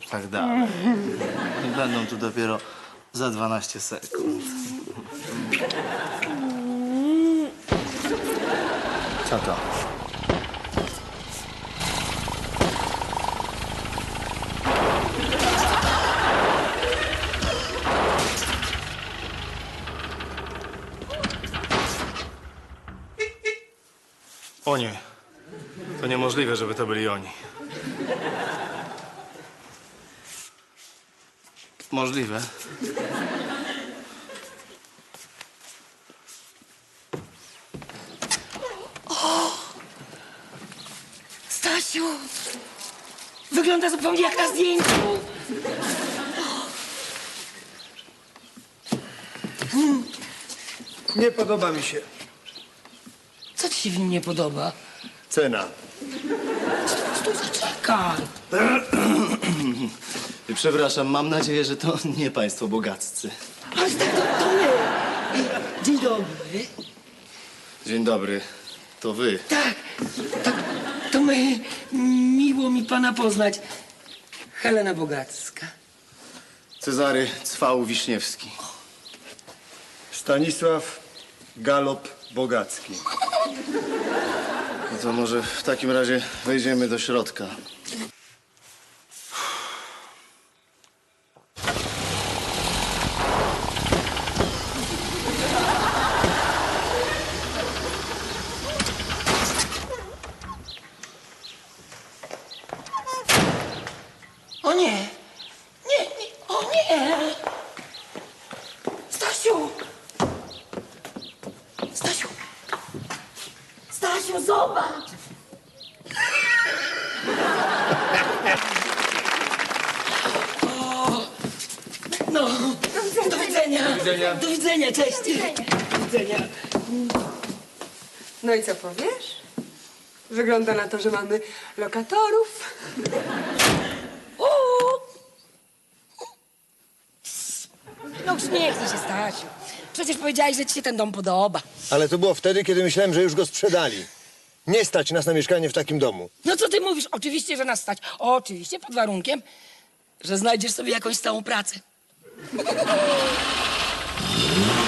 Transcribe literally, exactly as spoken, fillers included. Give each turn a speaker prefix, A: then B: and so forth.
A: tak dalej. I będą tu dopiero za dwanaście sekund. Co to?
B: O nie. To niemożliwe, żeby to byli oni.
A: Możliwe.
C: Stasiu! Wygląda zupełnie jak na zdjęciu.
D: Nie podoba mi się.
C: Co ci się w nim nie podoba?
D: Cena.
C: Stój, zaczekaj.
A: Przepraszam, mam nadzieję, że to nie państwo bogaccy.
C: Ale tak, to, to my. Dzień dobry.
A: Dzień dobry, to wy.
C: Tak, tak, to my. Miło mi pana poznać. Helena Bogacka.
A: Cezary Cwał Wiśniewski.
D: Stanisław Galop Bogacki.
A: No to może w takim razie wejdziemy do środka.
C: O nie! Nie, nie, o nie! Stasiu! Stasiu! Stasiu, zobacz! O, no, do widzenia! Do widzenia! Do widzenia, cześć! Do widzenia!
E: No i co powiesz? Wygląda na to, że mamy lokatorów.
C: Uuu. No uśmiechnij się, Stasiu. Przecież powiedziałeś, że ci się ten dom podoba.
D: Ale to było wtedy, kiedy myślałem, że już go sprzedali. Nie stać nas na mieszkanie w takim domu.
C: No co ty mówisz? Oczywiście, że nas stać. Oczywiście, pod warunkiem, że znajdziesz sobie jakąś stałą pracę.